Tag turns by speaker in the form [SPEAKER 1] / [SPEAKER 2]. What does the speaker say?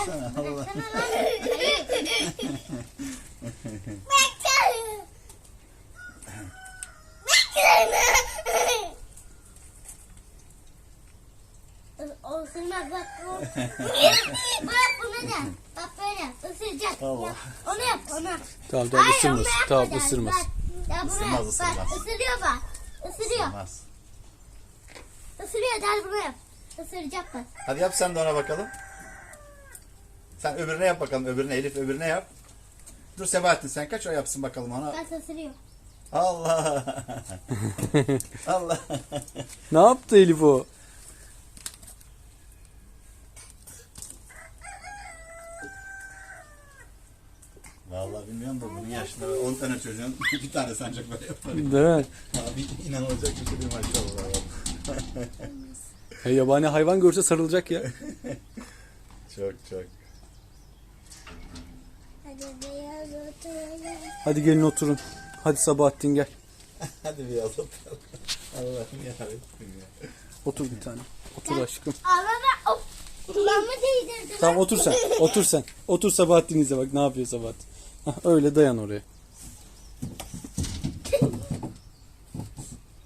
[SPEAKER 1] baksana. Allah.
[SPEAKER 2] O ısırmaz bak. Bak bunu da. Bak böyle ısıracak.
[SPEAKER 1] Allah.
[SPEAKER 2] Yap. Onu yap onu.
[SPEAKER 3] Tamam tamam
[SPEAKER 2] Hayır,
[SPEAKER 3] ısırmaz.
[SPEAKER 2] onu yapma
[SPEAKER 3] Tamam
[SPEAKER 2] dersin.
[SPEAKER 3] ısırmaz.
[SPEAKER 2] Bak, ya bunu
[SPEAKER 1] Isırmaz,
[SPEAKER 2] yap.
[SPEAKER 1] ısırmaz.
[SPEAKER 2] Bak ısırıyor bak. Isırıyor.
[SPEAKER 1] Olmaz.
[SPEAKER 2] Isırıyor der bunu yap. Isıracak bak.
[SPEAKER 1] Hadi yap sen de ona bakalım. Sen öbürüne yap bakalım. Öbürüne Elif öbürüne yap. Dur Sebahattin sen kaç o yapsın bakalım ona.
[SPEAKER 2] Bak ısırıyor.
[SPEAKER 1] Allah. Allah.
[SPEAKER 3] Ne yaptı Elif o?
[SPEAKER 1] Vallahi bilmiyorum da bunun yaşında 10 tane çocuğun bir tane sancak böyle yapar.
[SPEAKER 3] Değil mi?
[SPEAKER 1] Abi inanılacak bir şey değil maşallah.
[SPEAKER 3] Yabani hayvan görse sarılacak ya.
[SPEAKER 1] Çok çok.
[SPEAKER 2] Hadi beyaz oturalım.
[SPEAKER 3] Hadi gelin oturun. Hadi Sabahattin gel.
[SPEAKER 1] Hadi bir yazalım. Allah'ım yarabbim ya.
[SPEAKER 3] Otur bir tane. Otur aşkım.
[SPEAKER 2] Ağlama. Of. Kulağımı değdirdim.
[SPEAKER 3] Tamam otur sen. Otur sen. Otur Sabahattin izle bak ne yapıyor Sabahattin. Hah, öyle dayan oraya.